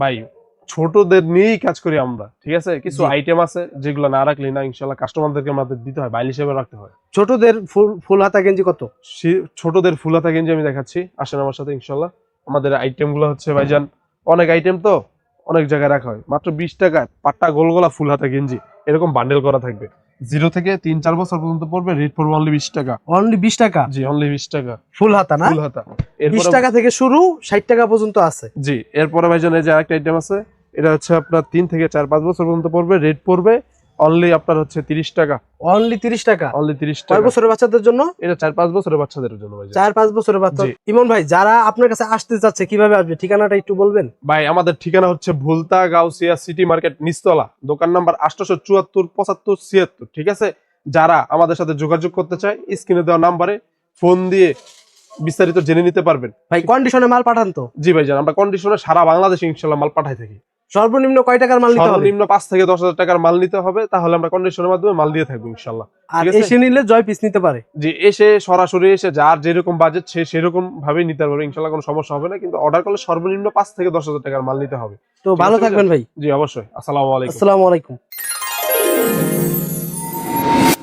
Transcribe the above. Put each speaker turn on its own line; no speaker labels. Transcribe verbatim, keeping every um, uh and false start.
ভাই ছোটদের নিয়েই কাজ করি আমরা, ঠিক আছে। কিছু আইটেম আছে যেগুলো না রাখলে না ইনশাল্লাহ কাস্টমারদেরকে আমাদের দিতে হয়, বাইল হিসেবে রাখতে হয়।
ছোটদের ফুল ফুল হাতা গেঞ্জি কত?
ছোটদের ফুল হাতা গেঞ্জি আমি দেখাচ্ছি, আসেন আমার সাথে ইনশাল্লাহ। আমাদের আইটেম গুলো হচ্ছে ভাইজান অনেক আইটেম, তো অনেক জায়গায় রাখা হয়। মাত্র বিশ টাকায় পাট্টা গোলগোলা ফুল হাতা গেঞ্জি এরকম বান্ডেল করা থাকবে। জিরো থেকে তিন চার বছর পর্যন্ত পড়বে, রেট পড়বে অনলি বিশ টাকা।
অনলি বিশ টাকা?
জি অনলি বিশ টাকা
ফুল হাতা না?
ফুল হাতা
বিশ
এরপরে
টাকা থেকে শুরু, ষাট টাকা পর্যন্ত আছে।
জি এরপরে ভাইজান এই যে আরেকটা আইটেম আছে, এটা হচ্ছে আপনার তিন থেকে চার পাঁচ বছর পর্যন্ত পড়বে, রেট পড়বে অনলি আপনার হচ্ছে তিরিশ টাকা।
অনলি তিরিশ টাকা?
অনলি তিরিশ
কয়
টাকা।
বছরের বাচ্চাদের জন্য?
এটা চার পাঁচ বছরের বাচ্চাদের জন্য ভাই।
চার পাঁচ বছরের বাচ্চা।
জি।
ইমন ভাই, যারা আপনার কাছে আসতে চাচ্ছে কিভাবে আসবে, ঠিকানাটা একটু বলবেন?
ভাই আমাদের ঠিকানা হচ্ছে ভুলতা গাউসিয়া সিটি মার্কেট নিচতলা, দোকান নাম্বার আটশো চুয়াত্তর পঁচাত্তর ছিয়াত্তর, ঠিক আছে। যারা আমাদের সাথে যোগাযোগ করতে চায় স্ক্রিনে দেওয়া নাম্বারে ফোন দিয়ে বিস্তারিত জেনে নিতে পারবেন।
ভাই কন্ডিশনে মাল পাঠান তো?
জি ভাইজান, আমরা কন্ডিশনে সারা বাংলাদেশে ইনশাল্লাহ মাল পাঠাই থাকি।
সর্বনিম্ন কয় টাকার মাল নিতে হবে?
সর্বনিম্ন পাঁচ থেকে দশ হাজার টাকার মাল নিতে হবে, তাহলে আমরা কন্ডিশনের মাধ্যমে মাল দিয়ে থাকবো ইনশাল্লাহ।
আর এসে নিলে জয় পিস নিতে পারে?
জি এসে সরাসরি এসে যার যেরকম বাজেট সে সেরকম ভাবেই নিতে পারবে ইনশাল্লাহ, কোনো সমস্যা হবে না। কিন্তু অর্ডার করলে সর্বনিম্ন পাঁচ থেকে দশ হাজার টাকার মাল নিতে হবে।
তো ভালো থাকবেন ভাই।
জি অবশ্যই। আসসালামু আলাইকুম।
আসসালামু আলাইকুম।